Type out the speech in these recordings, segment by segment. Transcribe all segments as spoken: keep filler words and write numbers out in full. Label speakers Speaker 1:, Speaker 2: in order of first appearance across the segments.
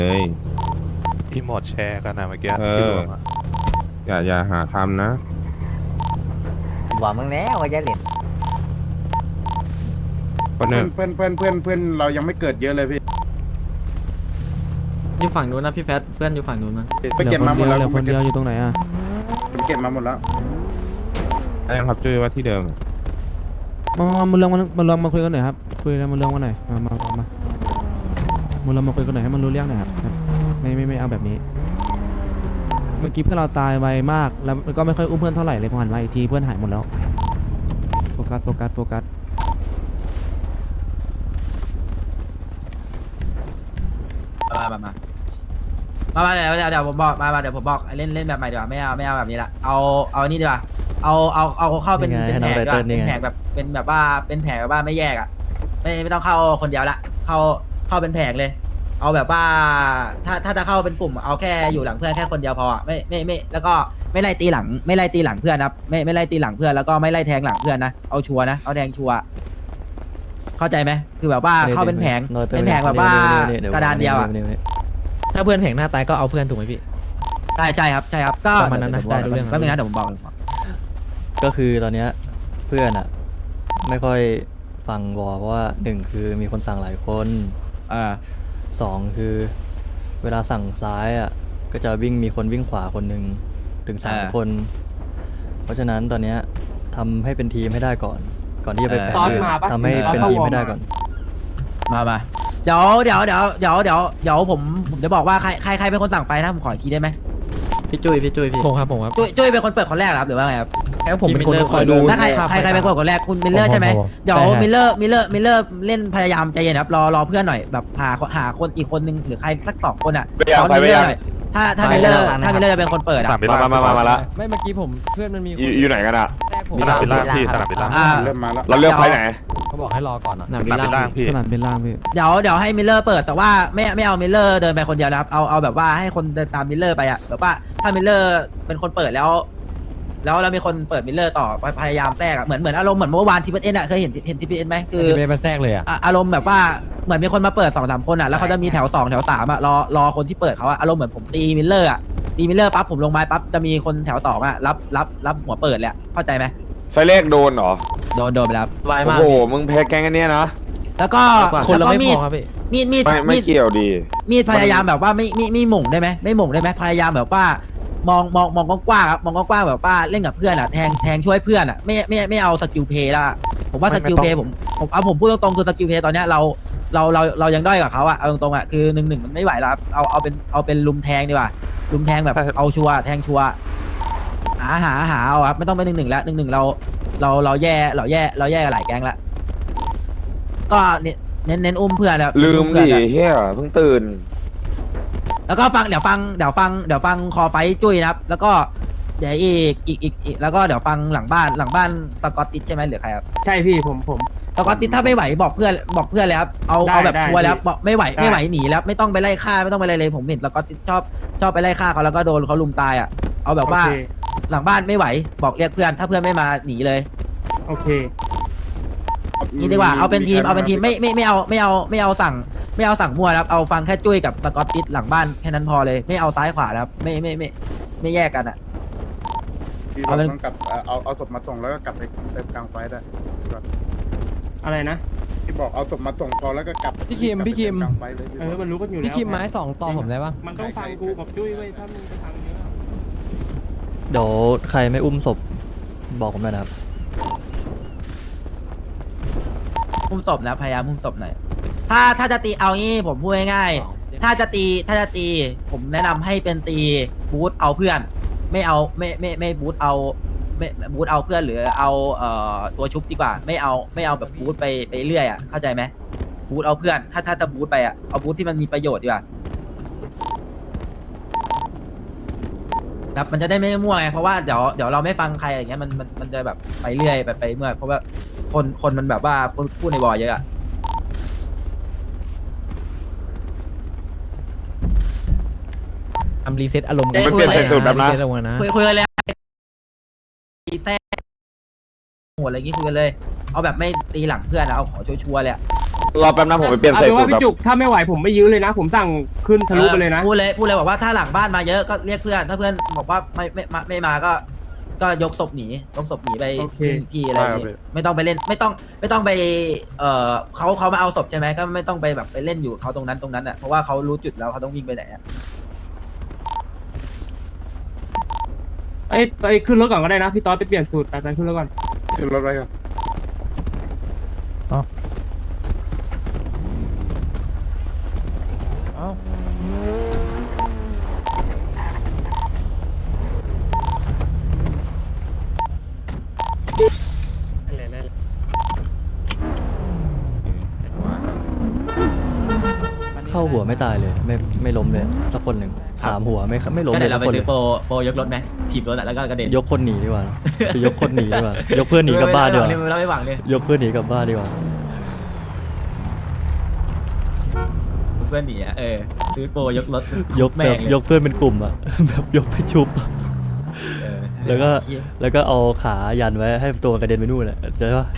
Speaker 1: เลย
Speaker 2: ที่หมดแชร์กันนะเมื่อกี้
Speaker 1: เอ
Speaker 2: ที่
Speaker 1: อ
Speaker 2: รวมอะ
Speaker 1: อย่าอย่าหาทำนะ
Speaker 3: บอกมึงแล้วว่าจะเล่น
Speaker 1: คนหนึ่ง
Speaker 4: เพื่อนเพื่อนเพื่อนเพื่อนเรายังไม่เกิดเยอะเลยพี่
Speaker 5: อยู่ฝั่งนู้นนะพี่แฟตเพื่อนอยู่ฝั่งนู้นนะ
Speaker 4: ไปเก็บมาหมดแล้ว
Speaker 6: เหลือคนเดียวอยู่ตรงไหนอ่ะ
Speaker 4: ผมเก็บมาหมดแล้ว
Speaker 1: ได้ยังครับจุ้ยว่าที่เดิม
Speaker 6: มามามาเรื่องมามาเรื่องมาคุยกันหน่อยครับคุยกันมาเรื่องกันหน่อยมามามามามาเรื่องมาคุยกันหน่อยให้มันรู้เรื่องหน่อยครับครับไม่ไม่ไม่เอาแบบนี้ เมื่อกี้เพื่อนเราตายไวมากแล้วก็ไม่ค่อยอุ้มเพื่อนเท่าไหร่เลยพอหันมาอีกทีเพื่อนหายหมดแล้วโฟกัสโฟกัสโฟกัส
Speaker 7: มามามามามาเดี๋ยวเดี๋ยวเดี๋ยวผมบอกมามาเดี๋ยวผมบอกเล่นเล่นแบบใหม่ดีกว่าไม่เอาไม่เอาแบบนี้ละเอาเอานี่ดีกว่าเอาเอาเอาเข้าเป็นเป็นแผงดีกว่าเป็นแผงแบบเป็นแบบว่าเป็นแผงแบบว่าไม่แยกอ่ะไม่ไม่ต้องเข้าคนเดียวละเข้าเข้าเป็นแผงเลย เอาแบบว่าถ้าถ้าจะเข้าเป็นกลุ่มเอาแค่อยู่หลังเพื่อนแค่คนเดียวพออ่ะไม่ไม่ไม่แล้วก็ไม่ไล่ตีหลังไม่ไล่ตีหลังเพื่อนนะไม่ไม่ไล่ตีหลังเพื่อนแล้วก็ไม่ไล่แทงหลังเพื่อนนะเอาชัวร์นะเอาแทงชัวร์เข้าใจไหมคือแบบว่าเข้าเป็นแผงเป็นแผงแบบว่ากระดานเดียวอ่ะ
Speaker 5: ถ้าเพื่อนแผงหน้าตายก็เอาเพื่อนถูกไหมพี่
Speaker 7: ใช่ใช่ครับใช่ครับก็
Speaker 5: ประมาณนั้นนะได้รู้เรื่อง
Speaker 7: แป๊บนึงนะเดี๋ยวผมบอก
Speaker 8: ก็คือตอนเนี้ยเพื่อนอะไม่ค่อยฟังวอเพราะว่าหนึ่งคือมีคนสั่งหลายคน
Speaker 7: อ่า
Speaker 8: สองคือเวลาสั่งซ้ายอะก็จะวิ่งมีคนวิ่งขวาคนหนึ่งถึงสาม
Speaker 7: อ่า
Speaker 8: คน เพราะฉะนั้นตอนเนี้ยทำให้เป็นทีมให้ได้ก่อน ก่อนที่จะไป
Speaker 7: เออ
Speaker 8: แผนอื่นทำให้เป็นทีมให้ได้ก่อน
Speaker 7: มามาเดี๋ยวเดี๋ยวเดี๋ยวเดี๋ยวเดี๋ยวเดี๋ยวผมผมจะบอกว่าใครใครใครเป็นคนสั่งไฟนะผมขออีกทีได้ไหม
Speaker 5: พี่จุ้ยพี่จุ้ยพี่ผมครับผมครับ
Speaker 7: จุ้ยจุ้ยเป็นคนเปิดคนแรกเหรอครับหรือว่าไงครับ
Speaker 5: แล้วผมเป็นคนคอยดู
Speaker 7: ถ้าใครใครใครเป็นคนคนแรกคุณมิลเลอร์ใช่ไหมเดี๋ยวมิลเลอร์มิลเลอร์มิลเลอร์เล่นพยายามใจเย็นครับรอรอเพื่อนหน่อยแบบหาหาคนอีกคนนึงหรือใครสักสองคนอ่ะซ้อนมิลเลอร์หน่อยถ้าถ้ามิลเลอร์ถ้ามิลเลอร์จะเป็นคนเปิดอ่ะ
Speaker 2: สนามบิน
Speaker 9: มา
Speaker 2: ล่าง
Speaker 9: มามามาละ
Speaker 6: ไม่เมื่อกี้ผมเพื่อนมันมี
Speaker 9: อยู่อยู่ไหนกันอ่ะ
Speaker 6: แทรกผม
Speaker 2: สนามบินล่างพี่สนามบินล่าง
Speaker 7: อ่า
Speaker 4: เริ่มมาแล้ว
Speaker 9: เราเลือกไฟล์ไหน
Speaker 6: เขาบอกให้รอก่อนอ่ะ
Speaker 5: หนั
Speaker 2: สนามบินล่างพี่
Speaker 6: สนามบินล่างพี่
Speaker 7: เดี๋ยวเดี๋ยวให้มิลเลอร์เปิดแต่ว่าไม่ไม่เอามิลเลอร์เดินไปคนเดียวนะครับเอาเอาแบบว่าให้คนเดินตามมิลเลอร์ไปอ่ะแบบว่าถ้ามิลเลอร์เป็นคนเปิดแล้ว แล้วเรามีคนเปิดมิลเลอร์ต่อพยายามแทรกอ่ะเหมือนเหมือนอารมณ์เหมือนเมื่อวานทีพีเอ็นอ่ะเคยเห็นเห็นทีพีเอ็นไหมคือ
Speaker 6: ไม่ได้มาแทรกเลยอ่ะ
Speaker 7: อ่ะอารมณ์แบบว่าเหมือนมีคนมาเปิดสองสามคนอ่ะแล้วเขาจะมีแถวสองแถวสามอ่ะรอรอคนที่เปิดเขาอ่ะอารมณ์เหมือนผมตีมิลเลอร์อ่ะตีมิลเลอร์ปั๊บผมลงไม้ปั๊บจะมีคนแถวสองอ่ะรับรับรับหัวเปิดเลยอะเข้าใจไหม
Speaker 9: ไฟล์แรกโดนเหรอ
Speaker 7: โดนโดนไปแล้ว
Speaker 5: วาย
Speaker 9: โอ้
Speaker 5: มาก
Speaker 9: โห มึงแพ้แกงอันเนี้ยนะ
Speaker 7: แล้วก็
Speaker 5: คน
Speaker 7: แล้ว
Speaker 5: เรา
Speaker 7: ก็
Speaker 5: ไม่
Speaker 7: มี
Speaker 5: พ
Speaker 7: ด
Speaker 5: อครับพี่
Speaker 7: มีดมีด
Speaker 9: ไม่ไม่
Speaker 7: มีด
Speaker 9: เกี่ยวดี
Speaker 7: มีดพยายามแบบว่าไม่ไม่ไม่หม่งได้ไหมไม่หม่งได้ไหมพยายามแบบว่ามองมองมองกว้างๆครับมองกว้างๆแบบว่าเล่นกับเพื่อนอ่ะแทงแทงช่วยเพื่อนอ่ะไม่ไม่ไม่เอาสกิลเพย์ละผมว่าสกิลเพย์ผมผมเอาผมพูดตรงๆคือสกิลเพย์ตอนเนี้ยเราเราเราเรายังด้อยกับเขาอ่ะเอาตรงๆอ่ะคือหนึ่งหนึ่งมันไม่ไหวแล้วครับเอาเอาเป็นเอาเป็นลุมแทงดีกว่าลุมแทงแบบเอาชัวร์แทงชัวร์หาหาหาเอาครับไม่ต้องไปหนึ่งหนึ่งแล้วหนึ่งหนึ่งเราเราเราแย่เราแย่เราแย่กับหลายแก๊งละก็เน้นเน้นเน้นอุ้มเพื่อนแล้ว
Speaker 9: ลืมดิเฮียเพิ่งตื่น
Speaker 7: แล้วก็ฟังเดี๋ยวฟังเดี๋ยวฟังเดี๋ยวฟังคอไฟจุ้ยนะครับ แล้วก็เดี๋ยวอีกอีกอีกอีกแล้วก็เดี๋ยวฟังหลังบ้านหลังบ้านสกอตติชใช่ไหมหรือใครครับ
Speaker 10: ใช่พี่ผมผม
Speaker 7: สกอตติชถ้าไม่ไหวบอกเพื่อนบอกเพื่อนเลยครับเอา
Speaker 10: ได้
Speaker 7: เอาแบบ
Speaker 10: ได้
Speaker 7: ชัวร์แล้ว
Speaker 10: พี่
Speaker 7: บอกไม่ไหว
Speaker 10: ได้
Speaker 7: ไม่ไหวหนีแล้วไม่ต้องไปไล่ฆ่าไม่ต้องไปอะไรเลยผมเห็นสกอตติชชอบชอบไปไล่ฆ่าเขาแล้วก็โดนเขาลุมตายอ่ะเอาแบบว่า
Speaker 10: โอเค
Speaker 7: หลังบ้านไม่ไหวบอกเรียกเพื่อน ถ้าเพื่อนไม่มาหนีเลย
Speaker 10: โอเค
Speaker 7: นี่ดีกว่าเอาเป็นทีมเอาเป็นทีมไม่ไม่ไม่เอาไม่เอาไม่เอาสั่งไม่เอาสั่งมั่วนะครับเอาฟังแค่จุ้ยกับสกอตติชหลังบ้านแค่นั้นพอเลยไม่เอาซ้ายขวานะครับไม่ไม่ไม่ไม่แยกกันอ่ะ
Speaker 4: พี่
Speaker 7: เอาเป็น
Speaker 4: ต้องกลับเอาเอาเอาศพมาส่งแล้วก็กลับไปเติมกลางไฟได้
Speaker 10: อะไรนะ
Speaker 4: ที่บอกเอาศพมาส่งพอแล้วก็กลับ
Speaker 6: พี่คิม
Speaker 4: กลับไป
Speaker 6: พี่คิม
Speaker 4: เติกลางไฟเลย
Speaker 10: เออมันรู้กันอยู่แล้ว
Speaker 6: พี่คิมไม้สองต่อผมได้ปะ
Speaker 10: มันต้องฟังกูกับจุ้ยไว้ยถ้ามึงจะฟังเยอะ
Speaker 8: เดี๋ยวใครไม่อุ้มศพบอกผมหน่อยนะครับ
Speaker 7: พุ่มศพนะพยายามพุ่มศพหน่อยถ้าถ้าจะตีเอางี้ผมพูดง่ายๆถ้าจะตีถ้าจะตีผมแนะนำให้เป็นตีบูทเอาเพื่อน ไม่เอาไม่ไม่ไม่บูทเอาไม่บูทเอาเพื่อนหรือเอาเอ่อตัวชุบดีกว่า ไม่เอาไม่เอาแบบบูทไปไปเรื่อยอ่ะเข้าใจไหมบูทเอาเพื่อน ถ้าถ้าจะบูทไปอ่ะเอาบูทที่มันมีประโยชน์ดีกว่าครับมันจะได้ไม่มั่วไงเพราะว่าเดี๋ยวเดี๋ยวเราไม่ฟังใครอะไรเงี้ยมันมันมันจะแบบไปเรื่อยไปไปเมื่อยเพราะว่าคนคนมันแบบว่าคนพูดในวอเยอะอะ
Speaker 5: ทำรีเซ็ตอารมณ์
Speaker 9: มันเปลี่ยนสายสูตรแบบนะ
Speaker 5: รีเซ็ตอารมณ์นะ
Speaker 7: คุยคุยกันเลยแท้หัวอะไรอย่างงี้คุยกันเลย เอาแบบไม่ตีหลังเพื่อนอะเอาขอชัวร์ๆเลยอะ
Speaker 9: รอแป๊บนะผมไปเปลี่ยน
Speaker 10: เอา
Speaker 9: ใส่
Speaker 10: เป็น
Speaker 9: สู
Speaker 10: ว่า
Speaker 9: ตรแบบ
Speaker 10: พี่จุกถ้าไม่ไหวผมไม่ยื้อเลยนะ ผมสั่งขึ้นทะลุไปเลยนะ
Speaker 7: พูดเลยพูดเลยบอกว่าถ้าหลังบ้านมาเยอะก็เรียกเพื่อนถ้าเพื่อนบอกว่าไม่ไม่ไม่ไม่มาก็ ก็ยกศพหนียกศพหนีไป
Speaker 10: โอเค
Speaker 7: พี่อะไรอย่างงี้ไม่ต้องไปเล่นไม่ต้องไม่ต้องไปเอ่อเขาเขามาเอาศพใช่ไหมก็ไม่ต้องไปแบบไปเล่นอยู่เขาตรงนั้นตรงนั้นอ่ะเพราะว่าเขารู้จุดแล้วเขาต้องวิ่งไปไหนอ่ะ
Speaker 10: ไอ้ไอ้ขึ้นรถก่อนก็ได้นะพี่ต๊อดไปเปลี่ยนสูตรแต่ขึ้นรถก่อน
Speaker 4: ขึ้นรถไว้ครับ
Speaker 8: เข้าหัวไม่ตายเลย ไม่ไม่ล้มเลยสักคนหนึ่งถามหัวไม่ไม่ล้ม
Speaker 7: ก็
Speaker 8: เล
Speaker 7: เดี๋ย
Speaker 8: ยว
Speaker 7: เรา
Speaker 8: สัก
Speaker 7: ไป
Speaker 8: คนเล
Speaker 7: ซื้อย โปรโปรยกรถไหมถีบรถอะแล้วก็กระเด็น
Speaker 8: ยกคนหนีดีกว่าไปยกคนหนีดีกว่ายกเพื่อนหนีกลับบ้านดีกว่า
Speaker 7: เราไม่หวังเลย
Speaker 8: ยกเพื่อนหนีกลับบ้านดีกว่า
Speaker 7: เพื่อนหนีอ่ะเออซื้อโปรยกรถ
Speaker 8: ยก
Speaker 7: แม่
Speaker 8: แบ
Speaker 7: ง
Speaker 8: บ
Speaker 7: เลย
Speaker 8: ยกเพื่อนเป็นกลุ่มอะ แบบยกไปชุบอะ
Speaker 7: เออ
Speaker 8: แล้วก็ แล้วก็เอาขายันไว้ให้ตัวกระเด็นไปนู่นแหละเดี๋ยวปะ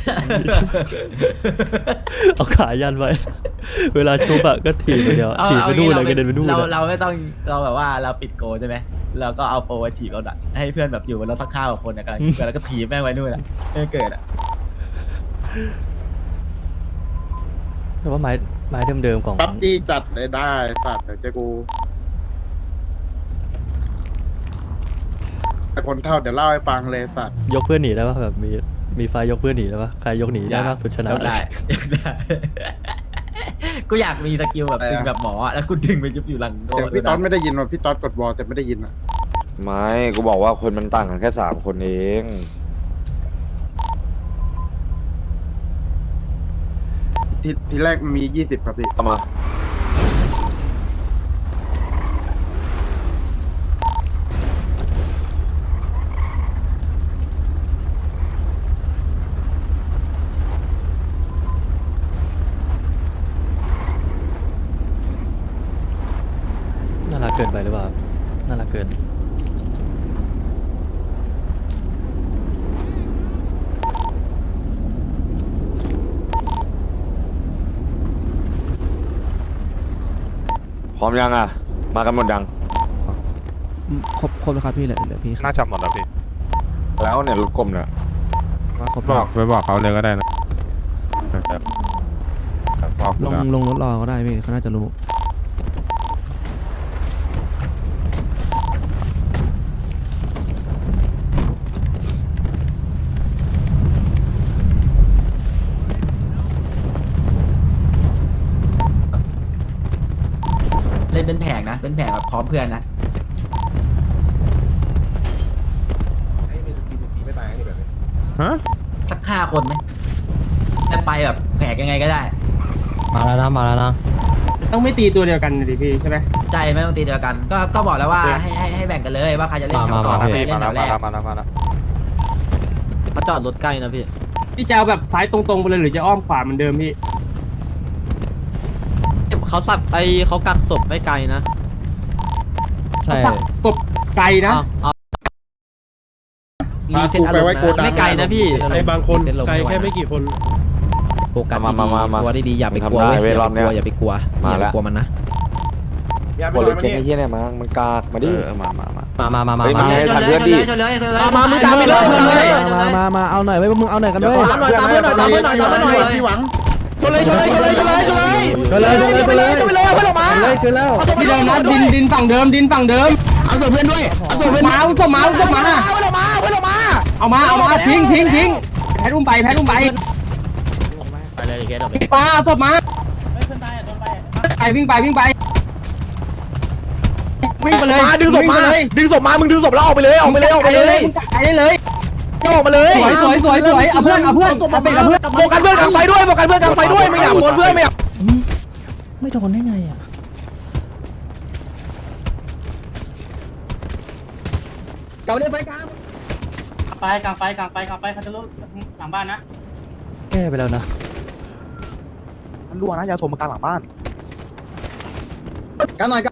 Speaker 8: เอาขายันไว้ เวลาชุบอะก็ถีบไปเดียว
Speaker 7: เอา
Speaker 8: ถีบไป
Speaker 7: เอา
Speaker 8: นู่น
Speaker 7: งี้
Speaker 8: เลยกระเด็นไปนู่น
Speaker 7: เรา
Speaker 8: อะ
Speaker 7: เราไม่ต้องเราแบบว่าเราปิดโกใช่ไหมเราก็เอาโปรไว้ถีบรถอะให้เพื่อนแบบอยู่บนรถสักข้าวกับคนอะกันแล้วก็ถีบแม่งไว้นู่นอะไม่ให้เกิดอะ
Speaker 8: แต่ว่าไม้ไม้เดิมๆของ
Speaker 4: ปั๊บจี้จัดเลยได้สัตว์เดี๋ยวเจอกูแต่คนเท่าเดี๋ยวเล่าให้ฟังเลยสัตว์
Speaker 8: ยกเพื่อนหนีได้ปะแบบมีมีไฟยกเพื่อนหนีได้ปะใครยกหนีได้มากสุดชนะ
Speaker 7: ได้ ได้กูอยากมีสกิลแบบดึงแบบหมออะแล้วกูดึงไปยุบอยู่หลังโด
Speaker 4: เดี๋ยวพี่ต๊อดไม่ได้ยินว่าพี่ต๊อดกดวอลแต่ไม่ได้ยินอ่ะ
Speaker 9: ไม่กูบอกว่าคนมันต่างกันแค่สามคนเอง
Speaker 4: ทีทีแรกมันมียี่สิบครับพี่
Speaker 9: เอามา
Speaker 8: น่ารักเกินไปหรือเปล่าน่ารักเกิน
Speaker 9: พร้อมยังอ่ะ มากันหมดยัง
Speaker 6: อืมครบครบแล้วครับพี่เหลือเหลือพี่ครับ
Speaker 2: น่าจะหมดแล้วพี่
Speaker 9: แล้วเนี่ยรถกลมเนี่ย
Speaker 6: ว่าครบ
Speaker 1: บอกไปบอกเขาเลยก็ได้นะแบบบอก
Speaker 6: ลงลงรถรอก็ได้พี่เขาน่าจะรู้
Speaker 7: เล่นเป็นแผงนะเป็นแผงแบบพร้อมเพื่อนนะ
Speaker 1: ฮะ
Speaker 7: สักห้าคนไหมแต่ไปแบบแผงยังไงก็ได้
Speaker 5: มาแล้วนะมาแล้วนะ
Speaker 10: ต้องไม่ตีตัวเดียวกันดิพี่ใช่ไหม
Speaker 7: ใจไม่ต้องตีเดียวกัน ก็ก็บอกแล้วว่าให้ให้ให้แบ่งกันเลยว่าใครจะเล่นแถวสอง
Speaker 2: มา
Speaker 7: ใคร
Speaker 2: พี่
Speaker 7: เล่
Speaker 2: มาน
Speaker 7: แถ
Speaker 2: แล้ว
Speaker 7: วแร
Speaker 2: มาก แล้วมาแล้วมาแล้ว
Speaker 5: เขาจอดรถใกล้นะพี่
Speaker 10: พี่จะเอาแบบซ้ายตรงๆไปเลยหรือจะอ้อมขวาเหมือนเดิมพี่
Speaker 5: เขาสับไอเขากักศพไม่ไกลนะ ใช่
Speaker 10: สักกบไกลนะ
Speaker 5: เอารีเซ็ตอารมณ์นะไม่ไกลนะพี่
Speaker 10: ไอ้บางคนไกลแค่ไม่กี่คน
Speaker 5: โฟกัส
Speaker 9: มา
Speaker 5: ดี
Speaker 9: มามามา
Speaker 5: ๆกลัวได้ดีอย่าไปกลัว
Speaker 9: ทำได้
Speaker 5: เว้ย
Speaker 9: เว้ยรอบเนี้ย
Speaker 5: อย่าไปกลัวอย่า
Speaker 9: มา
Speaker 5: ไป
Speaker 9: ละ
Speaker 5: กลัวมันนะ
Speaker 9: กดรถเก่งไอ้เหี้ยเนี่ยมามันกากมาดิ
Speaker 2: เออมามามา
Speaker 5: มามามามา
Speaker 9: เฮ้ย
Speaker 5: มา
Speaker 9: มา
Speaker 7: ชนเลยชนเลยชนเลยชนเลย
Speaker 5: มามามึงตามไปเลยมึงเลย
Speaker 6: มามามาเอาหน่อยไว้ยพวกมึงเอาหน่อยกัน
Speaker 4: เดี๋ยว
Speaker 6: ด้วย
Speaker 4: ขอหาเพื่อนหน่อยตามเพื่อนหน่อยตามเพื่อนหน่อยพี่หวัง
Speaker 5: ชนเลยชนเลยชนเลยชนเลยชนเลย
Speaker 6: ไปเลยไปเลยไปเลย
Speaker 5: ชนไปเลยเอาไปลงมา
Speaker 6: เลยคือแล้ว
Speaker 10: ที่เดิมนะดินดินฝั่งเดิมดินฝั่งเดิม
Speaker 5: เอาศพเพื่อนด้วยเอาศพเพื่อน
Speaker 10: มาเอาศพมาเอาศพมา
Speaker 5: เอาไปลงมาเอาไปลงมา
Speaker 10: เอามาเอามาทิ้งทิ้งทิ้งแพทอุ้มไปแพทอุ้มไป
Speaker 5: ไปเลยแกดอก
Speaker 10: ปาเอาศพมาไปวิ่งไปวิ่งไปวิ่งไปเลย
Speaker 5: มาดึงศพมา
Speaker 10: วิ่ไปเลย
Speaker 5: ดึงศพมามึงดึงศพแล้วออกไปเลยออกไปเลยออกไปเลย
Speaker 10: มึงไปได้เลย
Speaker 5: ออกมาเลย
Speaker 10: สวยสวยสวยสวยเอาเพื่อนเอาเพื่อนเอาเป็นเอาเพื่อน
Speaker 5: โฟกัสเพื่อนกลางไฟด้วยโฟกัสเพื่อนกลางไฟด้วยไม่อยากหมดเพื่อนไม่อยาก
Speaker 8: ไม่โดนได้ไงอ่ะ
Speaker 5: เก่าเลยไปกลาง
Speaker 10: ไปกลางไฟกลางไฟกลางไฟเขาจะลุกหลังบ้านนะ
Speaker 8: แก้ไปแล้วนะ
Speaker 5: มันรั่วนะยาสมมากลางหลังบ้าน
Speaker 4: กันหน่อยกัน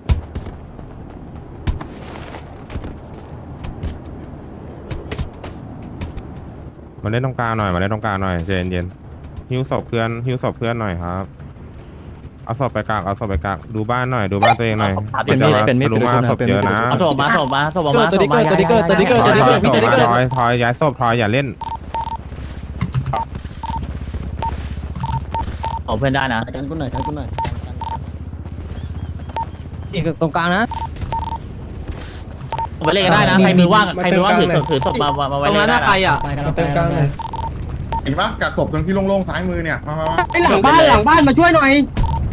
Speaker 1: มาเล่นตรงกลางหน่อยมาเล่นตรงกลางหน่อยใจเย็นๆหิ้วศพเพื่อนหิ้วศพเพื่อนหน่อยครับเอาศพไปกากเอาศพไปกากดูบ้านหน่อยดูบ้านตัวเองหน่อย
Speaker 8: เป็นมีดเป็นมีด
Speaker 1: รู้
Speaker 8: เป็น
Speaker 1: ว่า
Speaker 8: ชุดนะ
Speaker 1: ศพ
Speaker 8: เป็น
Speaker 1: เย
Speaker 8: มีด
Speaker 1: อะ
Speaker 8: เป็น
Speaker 1: นะ
Speaker 8: ชุด
Speaker 10: เอาศพมาศพมาศพมา
Speaker 5: ตัวนี้เกิดตัวนี้เกิดตัวนี้เกิดตัวนี้เกิด
Speaker 1: ถอยถอยถอยถอยย้ายศพถอยอย่าเล่น
Speaker 8: เอาเพื่อนได้นะ
Speaker 4: กันกูหน่อยกันกูหน่อย
Speaker 5: อีกตรงกลางนะ
Speaker 8: ไปเล่นกันได้นะใครมือว่างใครมือว่างถือถือศพมามา
Speaker 5: ต
Speaker 8: ไว้
Speaker 5: รง
Speaker 8: เล่
Speaker 5: นั้น
Speaker 8: นได้
Speaker 5: น่ะใครอ่ะ
Speaker 4: เต็มกลางเลยเห็นปะกักศพตรงที่โล่งๆซ้ายมือเนี่ยมามามา
Speaker 10: ไอหลังบ้านหลังบ้านมาช่วยหน่อย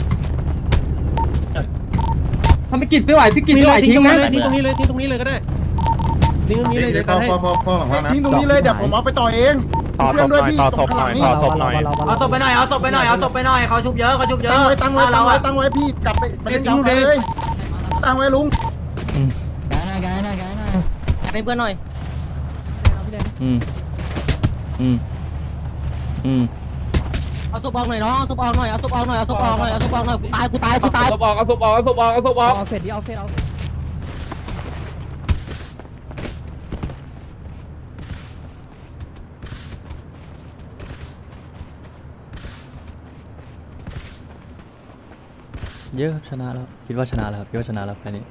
Speaker 10: ทำไปกิจไม่ไหวพี่กิจไม่ไหวทิ้งนะ
Speaker 5: ทิ้งตรงนี้เลยทิ้งตรงนี้เลยก็ได้ทิ้งตรงนี้เลยเดี๋ยว
Speaker 4: พอ
Speaker 5: ให้
Speaker 4: พอพอพอหลังบ้านนะทิ้งตรงนี้เลยเดี๋ยวผมเอาไปต่อเอง
Speaker 2: ต่อศพหน่อยต่อศพหน่อยต่อศพหน่อย
Speaker 7: เอาศพไปหน่อยเอาศพไปหน่อยเอาศพไปหน่อยเขาชุบเยอะเขาชุบเยอะ
Speaker 4: ตั้งไว้ตั้งไว้ตั้ง
Speaker 7: เรา
Speaker 4: ไว้
Speaker 7: อะ
Speaker 4: ตั้งไว้พี่กลับไปไปเล่นยาวเลยตั้งไว้ลุง
Speaker 5: ให้เพื่อนหน่อย
Speaker 8: อืมอืมอืม
Speaker 5: เอาศพออกหน่อยน้องเอาศพออกหน่อยเอาศพออกหน่อยเอาศพออกหน่อยเอาศพออกหน่อยกูตายกูตายกูตาย
Speaker 10: เอาศพออกเอาศพออกเอาศพออกเอาศพออก
Speaker 5: เอาเฟดดิเอาเฟดเอา
Speaker 8: เยอะครับชนะแล้วคิดว่าชนะแล้วครับคิดว่าชนะแล้วไฟล์นี้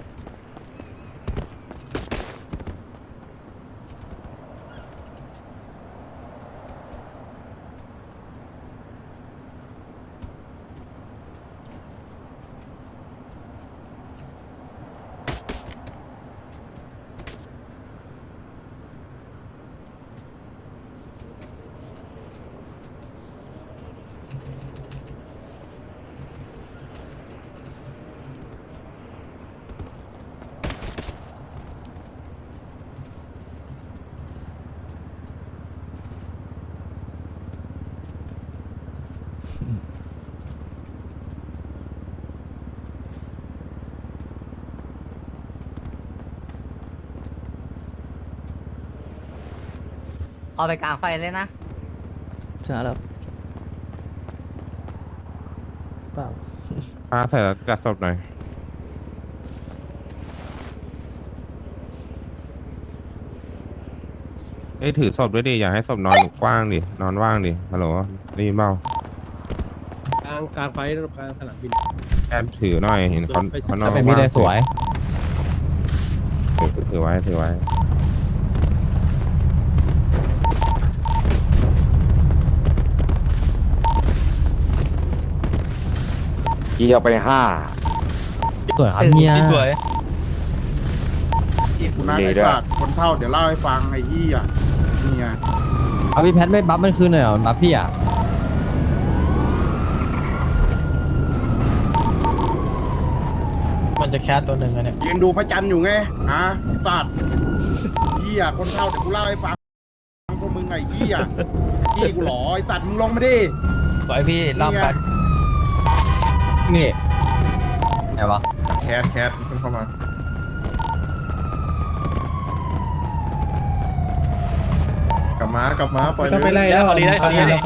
Speaker 5: เอาไปกลางไฟเลยนะ
Speaker 8: ชนะแล้ว
Speaker 1: พาใส่แล้วกัดศพหน่อยเอ้ยถือศพด้วยดิอย่าให้ศพนอนกว้างดินอนว่างดิฮัลโหลได้ยินเปล่าก
Speaker 5: ลางกลางไฟกลางสนามบิน
Speaker 1: แอบถือหน่อยเห็นเขาเขานอน
Speaker 5: เป็นมีได้สวย
Speaker 1: ถือถือไว้ถือไว้
Speaker 9: เกี่ยวไปห้า
Speaker 5: สวยครับเมีย
Speaker 10: สวย
Speaker 4: คุณนายไอ้สัตว์คนเท่าเดี๋ยวเล่าให้ฟังไอ้ยี่อ่ะนี่ไง
Speaker 5: เอาพี่แพทไม่บัฟมันคืนหน่อยเหรอบัฟพี่อ่ะ
Speaker 10: มันจะแคสตัวหนึ่งอะเนี่ย
Speaker 4: ยืนดูพระจันทร์อยู่ไงฮะไอ้สัตว์ยี่อ่ะคนเท่าเดี๋ยวกูเล่าให้ฟังพวกมึงไอ้ยี่อ่ะยี่กูหรอไอ้สัตว์มึงลงมาดิ
Speaker 10: สวยพี่ล่ำกัน
Speaker 5: นี่ไงวะ
Speaker 4: แคสแคสขึ้นเข้ามากลับมากลับมาปล่อย
Speaker 10: ต้องไปไล่แล้วขอรีได้ขอรีได้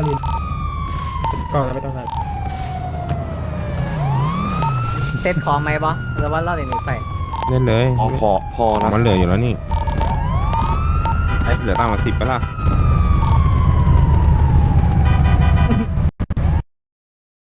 Speaker 5: เซตของไหมบอหรือว่าเราเล่นไฟ
Speaker 1: เล่นเลย
Speaker 9: พอพอพอนะ
Speaker 1: มันเหลืออยู่แล้วนี่ไอ้เหลือตั้งมาสิบไปละ
Speaker 5: เ